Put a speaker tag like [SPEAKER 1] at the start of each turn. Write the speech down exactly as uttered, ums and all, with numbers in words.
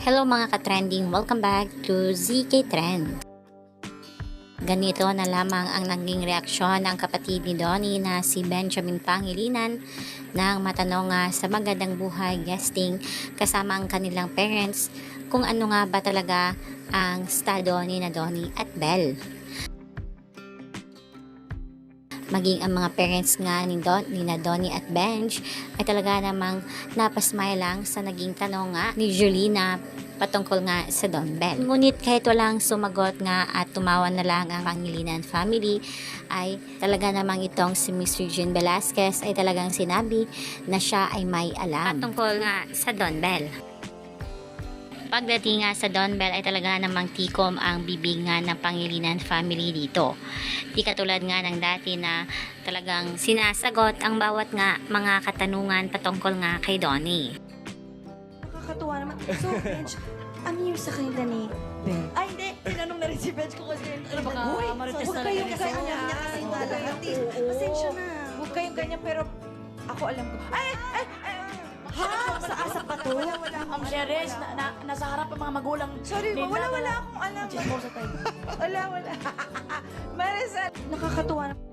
[SPEAKER 1] Hello mga ka-trending, welcome back to Z K Trend. Ganito na lamang ang naging reaksyon ng kapatid ni Donnie na si Benjamin Pangilinan nang matanong nga sa Magandang Buhay guesting kasama ang kanilang parents kung ano nga ba talaga ang estado ni na Donnie at Belle. Maging ang mga parents nga ni, Don, ni na Donnie at Benj ay talaga namang napasmile lang sa naging tanong nga ni Julina patungkol nga sa Don Bell. Ngunit kahit walang sumagot nga at tumawa na lang ang Pangilinan family, ay talaga namang itong si Miss Regine Velasquez ay talagang sinabi na siya ay may alam patungkol nga sa Don Bell. Pagdating nga sa Don Bell ay talaga namang tikom ang bibig nga ng Pangilinan family dito. Di katulad nga ng dati na talagang sinasagot ang bawat nga mga katanungan patungkol nga kay Donnie.
[SPEAKER 2] Nakakatuwa naman. So, Benj, ano yung sa kanila ni Ben?
[SPEAKER 3] Ay, hindi. Tinanong na rin si Benj ko kasi ano baka
[SPEAKER 2] Uy,
[SPEAKER 3] marites
[SPEAKER 2] huwag
[SPEAKER 3] na
[SPEAKER 2] kayong
[SPEAKER 3] lang kasi.
[SPEAKER 2] ganyan niya kasi
[SPEAKER 3] Oo.
[SPEAKER 2] talaga. Pasensya na.
[SPEAKER 4] Huwag kayong ganyan, pero ako alam ko. Ay! Ay! ay
[SPEAKER 2] Ha? Sa asa pa to?
[SPEAKER 4] Wala, wala akong
[SPEAKER 3] Ang
[SPEAKER 4] alam,
[SPEAKER 3] Jerez,
[SPEAKER 4] wala.
[SPEAKER 3] na, na, nasa harap ang mga magulang.
[SPEAKER 4] Sorry,
[SPEAKER 3] nila
[SPEAKER 4] wala,
[SPEAKER 3] na-
[SPEAKER 4] wala akong alam.
[SPEAKER 3] Chismosa tayo.
[SPEAKER 4] Wala, wala. Marisol.
[SPEAKER 2] Nakakatuwa naman.